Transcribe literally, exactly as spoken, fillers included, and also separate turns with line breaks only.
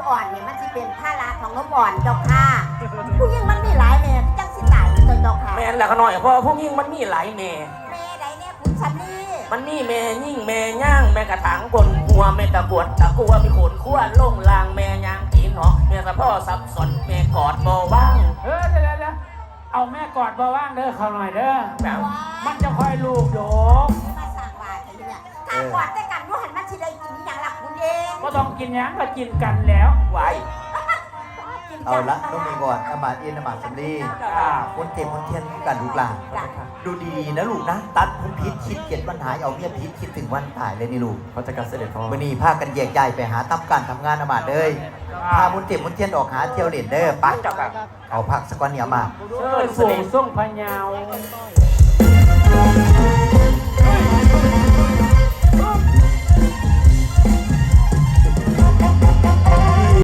อ่อนเนี่ยมันจะเป็นท่าราของนมอ่อนเจ้าค่ะผู้หญิงมันมีหลายแม่จังสิตายเจ้าค่ะ
แม่นแหละขน่อยเพราะผู้หญิงมันมีหลายแม่
แม่ใดเนี่ยคุณชันนี่
มันมีแม่ยิ่งแม่ย่างแม่กระถางกลหัวแม่ตะกวดตะกัวมีขนขั้วลงลางแม่ย่างตีนหอแม่สะพ่อสับสนแม่กอดบ่ว่าง
เออเดี๋ยวเดี๋ยวเอาแม่กอดบ่ว่างเด้อเขาหน่อยเด้อมันจะคอยลูกโยก
มาสั่งว่าไอ้เนี่ยถ้ากอดแต่กันรู้หันมันสิได้กินอย่างหลักคุณเอง
ก็ต้องกินยังก็กินกันแล้ว
ไหว
เอาละต้องมีก่อนอมาตย์เอ็นอมาตย์สำลีคนเต็มคนเทียนกันลูกหลานดูดีๆนะลูกนะตัดผมพิษคิดเจ็ดวันหายเอาเมียพิษคิดถึงวันตายเลยนี่ลูกเขาจะการเสด็จพ่อวันนี้พากันแยกย้ายไปหาตั้มการทำงานอมาตย์เลยพาบุญเต็มบุญเทียนออกหาเที่ยวเล่นเด้อปั๊บเอาพักสักวันเนี่ยมา
เออสูงส่งพญาว